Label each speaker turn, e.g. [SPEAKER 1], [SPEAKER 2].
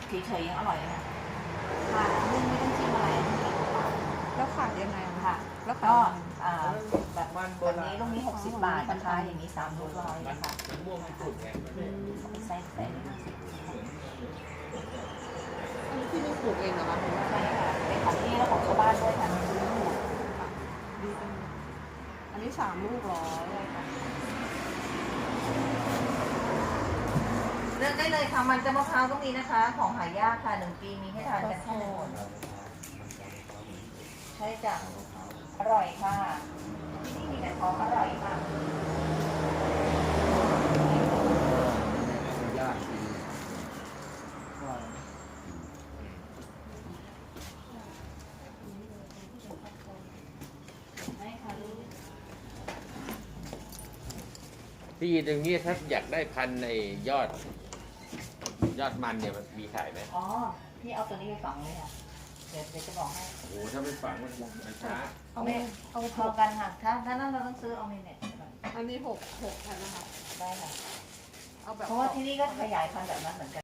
[SPEAKER 1] เฉยๆยังอร่อยเลยค่ะค่ะนึ่งไม่ต้องชิมอะไร
[SPEAKER 2] แล้วขายยังไงอะ
[SPEAKER 1] ค่ะ
[SPEAKER 2] แล้ว
[SPEAKER 1] ก็
[SPEAKER 2] ขายยังไง
[SPEAKER 1] แบบนี้ลูกนี้60 บาทนะคะอย่างนี้3ลูกร้อยนะคะ
[SPEAKER 3] มันม่วงญี่ปุ่นไงมันไม่
[SPEAKER 1] ใส่นี่
[SPEAKER 2] อันนี้ที่นี่ปลูกเองเหรอคะ
[SPEAKER 1] ใช่ค่ะเป็นของที่แล้วของชาวบ้านด้วยค่ะ
[SPEAKER 2] ดีจังอันนี้3 ลูกร้อย
[SPEAKER 1] เลือกได้เลยค่ะมันจะมะพร้าวก็มีนะคะ ของหายากค่ะ1 ปีมีให้ทานกันแค่1 คนใช่จ้ะอร่อยค่ะที่นี่มีแต่ของอร่อยค่ะ
[SPEAKER 3] ยากดี
[SPEAKER 1] ได้ค่ะลูก
[SPEAKER 3] ที่ตรงนี้ถ้าอยากได้พันธุ์ในยอดมันเนี่ยมันมีขายไหม
[SPEAKER 1] อ๋อพี่เอาตัวนี้ไปฝังเลยค่ะเดี๋ยวจะบอกให้
[SPEAKER 3] โอ้โหถ้าไม่ฝังมันช้า
[SPEAKER 2] เอา
[SPEAKER 1] เอาพอกันค่ะถ้านั้นเราต้องซื้อเอาในเน็ต
[SPEAKER 2] อันนี้6 แผ่นนะคะ
[SPEAKER 1] ได้ค่ะ
[SPEAKER 2] เอาแบบ
[SPEAKER 1] เพราะว่าที่นี่ก็ขยายพันธุ์แบบนั้นเหมือนกัน